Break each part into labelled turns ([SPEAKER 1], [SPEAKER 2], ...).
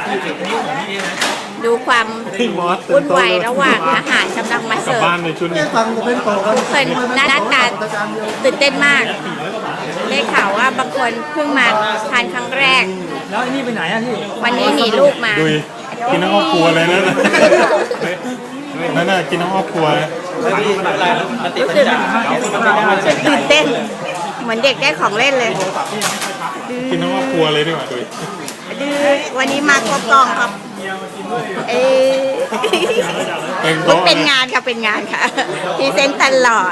[SPEAKER 1] ดูความวุ่นวายระหว่างอาหารกำลังมาเสิร์ฟทุกคนหน้าตาตื่นเต้นมากได้ข่าวว่าบางคนเพิ่งมาทานครั้งแรก
[SPEAKER 2] แล้วนี่ไปไหนอ่ะพี่
[SPEAKER 1] วันนี้หนีลูกมา
[SPEAKER 3] กินน้ำอ้อครัวเลยนะนั่นน่ะกินน้ำอ้อครัว
[SPEAKER 1] รู้สึกตื่นเต้นเหมือนเด็กได้ของเล่นเลย
[SPEAKER 3] กินน้ำอ้อครัวเลยดีกว่า
[SPEAKER 1] วันนี้มาครบกองครับเป็นงานค่ะเป็นงานค่ะพรีเซนต์ตลอด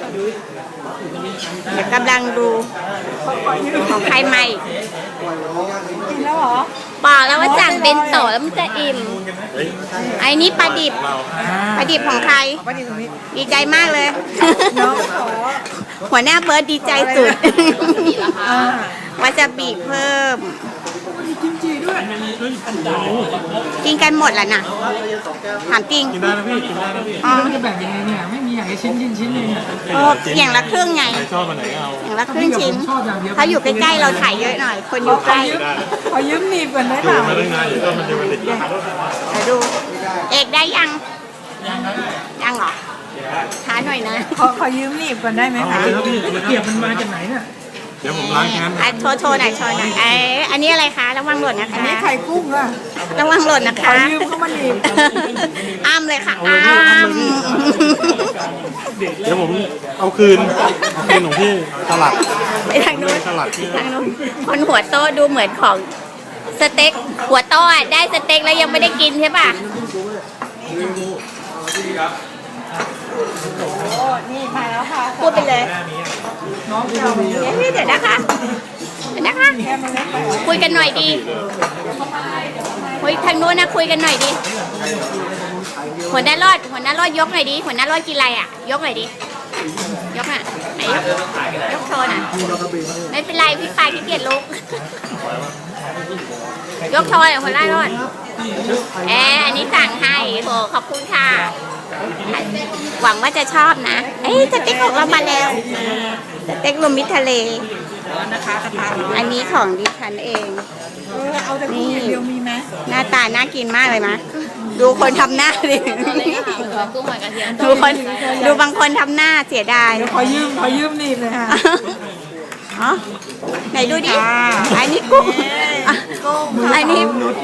[SPEAKER 1] เดี๋ยวกำลังดูของใครใหม่
[SPEAKER 4] กินแล้วเหรอ
[SPEAKER 1] บอกแล้วว่าสั่งเป็นโตแล้วมันจะอิ่มไอ้นี่ปลาดิบของใครดีใจมากเลยหัวหน้าเบิร์ดดีใจสุดว่าจะบีบเพิ่มกินกันหมดแล้วนะถามจริง
[SPEAKER 3] กินได้นะพี่กินได้นะพี่
[SPEAKER 2] มันจะแบ่งยังไงเนี่ยไม่มีอย่างชิ้นเลยเนี่ย
[SPEAKER 1] อย่างละครึ่งไง
[SPEAKER 3] ชอบมันไหนเอา
[SPEAKER 1] อย่างละครึ่งชิ้นถ้าอยู่ใกล้ๆเราถ่ายเยอะหน่อยคนอยู่ใกล้
[SPEAKER 4] ขอยืมหนีบก่อนได้
[SPEAKER 3] เปล่ามาได้ไงอยู่ก็มันจะมันติด
[SPEAKER 1] ดูเอกได้ยังเหรอช้าหน่อยนะ
[SPEAKER 4] ขอยืมหนีบก่อนได้ไหมคะ
[SPEAKER 2] เกียบมันมาจากไหนเนี่ย
[SPEAKER 3] เดี๋ยวผมล้างแค้น
[SPEAKER 1] โชว์หน่อยอันนี้อะไรคะระวังหล่นนะคะ
[SPEAKER 4] อันนี้ไข่กุ้งอะ
[SPEAKER 1] ระวังหล่นนะคะ
[SPEAKER 4] ขอยืมเข้ามาหนีบ
[SPEAKER 1] อ้ามเลยค่ะอ้าม
[SPEAKER 3] เดี๋ยวผมเอาคืนของพี่สลัด
[SPEAKER 1] ไปทางนู้นคนหัวโตดูเหมือนของสเต็กหัวโตได้สเต็กแล้วยังไม่ได้กินใช่ป่ะ
[SPEAKER 4] นี่มาแล้วค่ะ
[SPEAKER 1] พูดไปเลยเดี๋ยวนะคะคุยกันหน่อยดีคุยทางโน้นนะคุยกันหน่อยดีหัวหน้ารอดยกหน่อยดีหัวหน้ารอดกินอะไรอ่ะยกหน่อยดียกอ่ะไหนยกโชว์น่ะไม่เป็นไรพี่ปายขี้เกียจลุกยกโชว์เลยหัวหน้ารอดอันนี้สั่งให้โหขอบคุณค่ะหวังว่าจะชอบนะสเต็กของเรามาแล้วสเต็กรวมมิตรทะเลอันนี้ของดิฉันเอง
[SPEAKER 4] นี่เดียวมีไหม
[SPEAKER 1] หน้าตาน่ากินมากเลยนะดูคนทำหน้าดิดูบางคนทำหน้าเสียดาย
[SPEAKER 4] ขอยืมนี่เลยค่ะ
[SPEAKER 1] ไหนดูดิอันนี้กุ้งอันนี้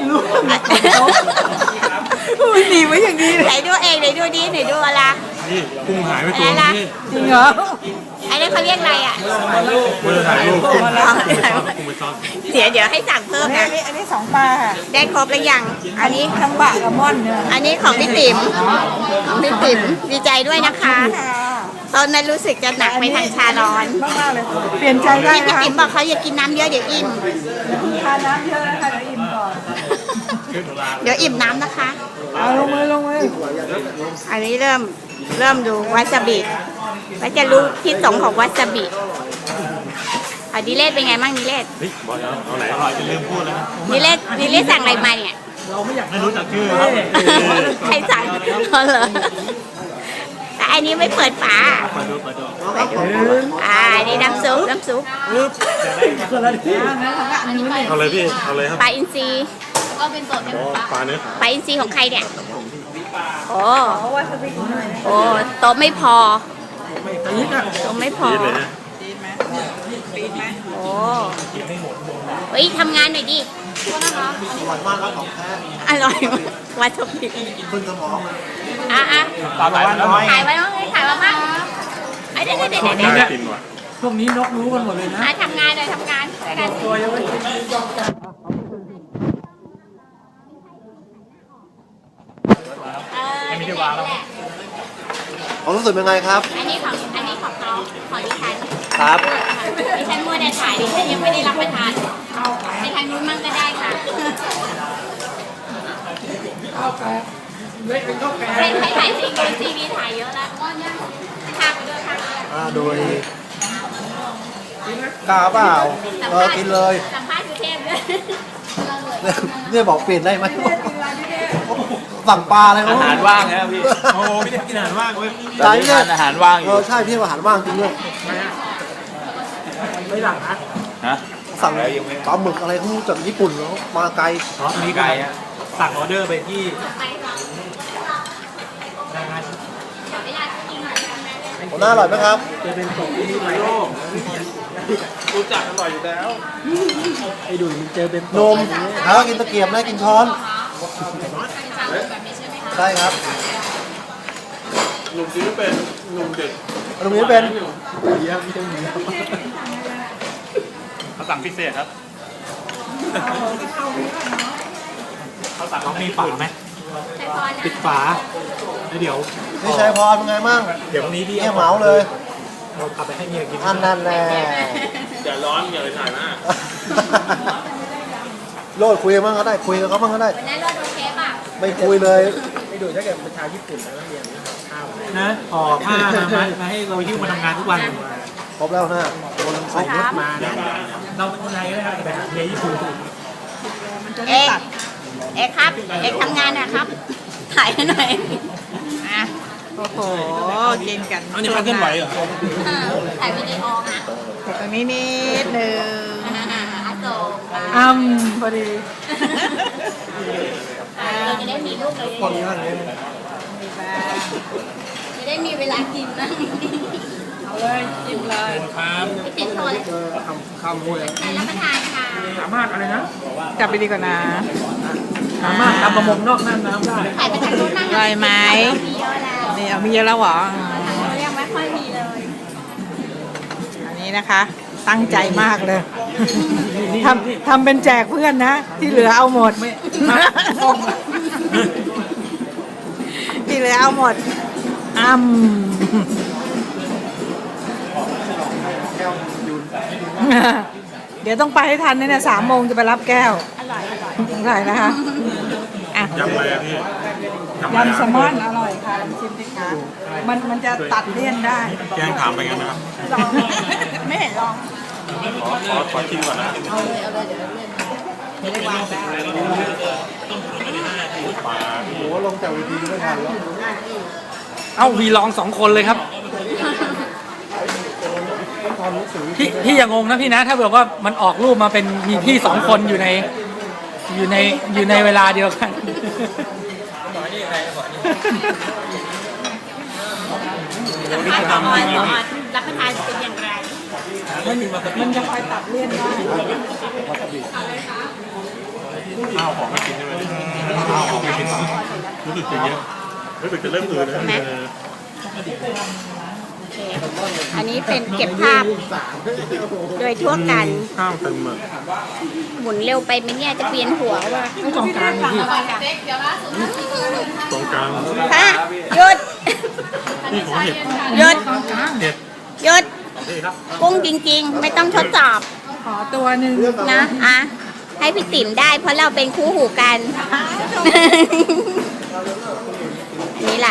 [SPEAKER 4] หนีไว้อย่างนี้
[SPEAKER 1] ไหนดูเองไหนดูดิไหนดูอะไร
[SPEAKER 3] นี่กุ้งหายไปตัว
[SPEAKER 4] นี่จริงเหรอ
[SPEAKER 1] อันนี้เขาเรียกอะไรอ่ะ
[SPEAKER 3] ไม่ได้ถ่ายรูปกุ้งไปซ้อน
[SPEAKER 1] เดี๋ยวให้สั่งเพิ่มนะ
[SPEAKER 4] อันนี้2 ปลาค่ะ
[SPEAKER 1] ได้ครบหรือยัง
[SPEAKER 4] อันนี้ทั้งบะกับม่อนเนี่ย
[SPEAKER 1] อันนี้ของพี่ติ๋มดีใจด้วยนะคะตอนนั้นรู้สึกจะหนักไปทางชาร้อน
[SPEAKER 4] มากเลยเปลี่ยนใจได้
[SPEAKER 1] พี่ติ๋มบอกเขาอยากกินน้ำเยอะเดี๋ยวอิ่ม
[SPEAKER 4] ทานน้ำเยอะนะคะเดี๋ยวอิ่มก่อน
[SPEAKER 1] เดี๋ยวอิ่มน้ำนะคะ
[SPEAKER 4] ลงมือ
[SPEAKER 1] อันนี้เริ่มดูวาซาบิว่าจะรู้พิษสงของวาซาบิดิเลศเป็นไงบ้างดิเลศ
[SPEAKER 3] บอกเอาไหนอร่อยจะลืมพูดแล้ว
[SPEAKER 1] ดิเลศสั่งอะไรมาเนี่ย
[SPEAKER 2] เราไม่อยาก
[SPEAKER 3] ไม่รู้จักชื่อ
[SPEAKER 1] ใครสั่งเหรอแต่อันนี้ไม่เปิดฝานี่น้ำซุป
[SPEAKER 3] เอาเลยพี่เอาเลยครับ
[SPEAKER 1] ปลาอินทรีก็เป็นตัว
[SPEAKER 3] ปลาเนื้อ
[SPEAKER 1] ปลาอินทรีของใครเนี่ยโอ้โต๊ะไม่พอโต๊ะไม่พอโอ้เฮ้ยทำงานหน่อยดินะคะอร่อยมากครับของแท้อร่อยวัตถุดิบขึ้นสมองถ่ายไว้บ้างถ่ายไว้บ้างเดี๋ยว
[SPEAKER 2] พวกนี้นกรู้กันหมดเลยนะ
[SPEAKER 1] ทำงานด้วยกัน
[SPEAKER 2] ตัวยังไม่กิน
[SPEAKER 3] ไม่ได้วางแล้ว
[SPEAKER 5] ความรู้สึกเป็นไงครับ
[SPEAKER 1] อันนี้ของเขาของดิฉัน
[SPEAKER 5] ครับ
[SPEAKER 1] ดิฉันมัวแต่ถ่ายดิฉันยังไม่ได้รับประทานไปทางนู้นมั่งก็ได้ค่ะเป็นใครถ่ายจริงโดยทีวีถ่ายเยอะแล้วทางไปด้วย
[SPEAKER 5] โดยกล้าเปล่ากินเลย
[SPEAKER 1] สัมภาษณ์สุเทพด้วย
[SPEAKER 5] เนี่ยบอกเปลี่ยนได้ไหมสั่งปลาเลย
[SPEAKER 6] อาหารว่างนะพี่
[SPEAKER 3] โอ้พี่เด็กกินอาหารว่างเว้ย
[SPEAKER 5] ตอนนี้
[SPEAKER 6] อาหารว่างอยู่
[SPEAKER 5] ใช่พี่อาหารว่างจริงด้วย
[SPEAKER 2] ไม่หลังนะ
[SPEAKER 6] ฮะ
[SPEAKER 5] สั่งปลาหมึกอะไรเขาจากญี่ปุ่นแล้วมาไกล
[SPEAKER 2] อ๋อมีไก่อะสั่งออเดอร์ไปที่
[SPEAKER 5] หัวหน้าอร่อยไหมครับ
[SPEAKER 2] จะเป็นตกที่ไโลกรู้จักอร่อยอยู่แล้วไอ้ดุยมันเจอเป็น
[SPEAKER 5] นมหากินตะเกียบนะกินช้อนใช่ครับ
[SPEAKER 3] หนุ่มซื้อเป็นหนุ่มเด็ก
[SPEAKER 5] ตรงนี้เป็น
[SPEAKER 3] เขาสั่งพิเศษครับ
[SPEAKER 2] เขาสั่งเขามีฝาไหมปิดฝาแล้วเดี๋ยว
[SPEAKER 5] นี่ชัยพรเป็นไงมั่ง
[SPEAKER 2] เดี๋ยววันนี้พี่
[SPEAKER 5] เนี่ยเหมาเลย
[SPEAKER 2] เราขับไปให้เมียกิน
[SPEAKER 5] อันนั้นแน่
[SPEAKER 3] อย่าร้อนอย่าไปถ่ายหน้า
[SPEAKER 5] โลดคุยมั่งก็ได้คุยกับเขามั่งก็ได้
[SPEAKER 1] วันนั้นรอดโอเคป่ะ
[SPEAKER 5] ไม่คุยเลย
[SPEAKER 2] ไอ้ดุยถ้าเกิดเป็นชาวญี่ปุ่นแล้วเรียนข้าวนะห่อผ้ามาให้เราหิ้วมาทำงานทุกวัน
[SPEAKER 5] ครบแล้วนะคนใส่รถมา
[SPEAKER 2] เราเป็นคนไทยก็ได้ครับแต่หาเมียญี่ปุ่น
[SPEAKER 1] เอกเอกครับ เอกทำงานนะครับ ถ่ายให้หน่อย
[SPEAKER 4] อ่ะโอ้โหกินกัน
[SPEAKER 2] เอาเนี่ยมันเคลื่อนไหวเหรอ
[SPEAKER 1] ถ่ายวิดีโอค่ะ
[SPEAKER 4] แต่ตรงนี้นิดหนึ่ง
[SPEAKER 1] อาโศก
[SPEAKER 4] พอดี
[SPEAKER 1] เราจะได้มีลูกเลย
[SPEAKER 5] คนนี้นั่นเอง
[SPEAKER 4] มีบ้าง
[SPEAKER 1] จะได้มีเวลากินนะ
[SPEAKER 4] เอาเลยกินเลย
[SPEAKER 2] ครับ
[SPEAKER 1] ไม่ติดโทรเลย
[SPEAKER 5] ข้ามห้วย
[SPEAKER 1] รับประทานค่ะ
[SPEAKER 2] สามารถอะไรนะ
[SPEAKER 4] กลับไปดีกว่านะ
[SPEAKER 2] สามารถทำประมงนอกน่านน้ำได้
[SPEAKER 1] ถ่ายไปทางนู้นนั่ง
[SPEAKER 4] อร่อยไหม
[SPEAKER 1] มีเยอะแล้ว
[SPEAKER 4] นี่เอามีเยอะแล้วเหรอ
[SPEAKER 1] ทางนู้นยังไม่ค่อยมีเลย
[SPEAKER 4] อันนี้นะคะ ตั้งใจมากเลยทำเป็นแจกเพื่อนนะ ที่เหลือเอาหมดที่เหลือเอาหมดเดี๋ยวต้องไปให้ทันเนี่ย3 โมงจะไปรับแก้ว
[SPEAKER 1] อร่อยอร่อย
[SPEAKER 4] อร่อยนะคะอ่ะ
[SPEAKER 3] ยำอะไรอะพี่
[SPEAKER 4] ยำแซลมอนอร่อยค่ะลองชิมสิคะมันจะตัดเลี่ยนได้
[SPEAKER 3] แกล้งถามไปงั้นนะครับ
[SPEAKER 1] ลองไม่เห็นลอง
[SPEAKER 3] ขอชิมก่อนนะ
[SPEAKER 1] เอาเลยเอาเลยเดี๋ยวเล่น
[SPEAKER 4] ไม่ได้วางได้
[SPEAKER 3] ปลา
[SPEAKER 5] โอ้โหลงจากเวทีไม่ทันแล้ว
[SPEAKER 2] เอ้าวีลอง2 คนเลยครับ พี่อย่างงนะพี่นะ ถ้าแบบว่ามันออกรูปมาเป็นมีพี่2 คนอยู่ในเวลาเดียวกัน
[SPEAKER 1] สัมภาษณ์ก่อนรับประทานเป็นอย่างไร
[SPEAKER 4] มันจะคอยตัดเลี่ยนได้
[SPEAKER 3] ข้าวของไม่กินใช่ไหมข้าวของไม่กินรู้สึกจะเยอะรู้สึกจะเริ่มอืดแล้ว
[SPEAKER 1] อันนี้เป็นเก็บภาพโดยทั่วกัน
[SPEAKER 3] ข้าวเต็มอ่ะ
[SPEAKER 1] หมุนเร็วไปไหมเนี่ยจะเปลี่ยนหัวว่า
[SPEAKER 2] ไม่ตรงกลางเลยพี่
[SPEAKER 3] ตรงกลาง
[SPEAKER 1] ฮะหยุด
[SPEAKER 3] นี่ของเห็ด
[SPEAKER 1] หยุด
[SPEAKER 3] เห็ด
[SPEAKER 1] หยุด
[SPEAKER 3] นี่ครับ
[SPEAKER 1] กุ้งจริงๆ ไม่ต้องทดสอบ
[SPEAKER 4] ขอตัวหนึ่ง
[SPEAKER 1] นะอ่ะให้พี่ติ๋มได้เพราะเราเป็นคู่หูกัน นี่แหละ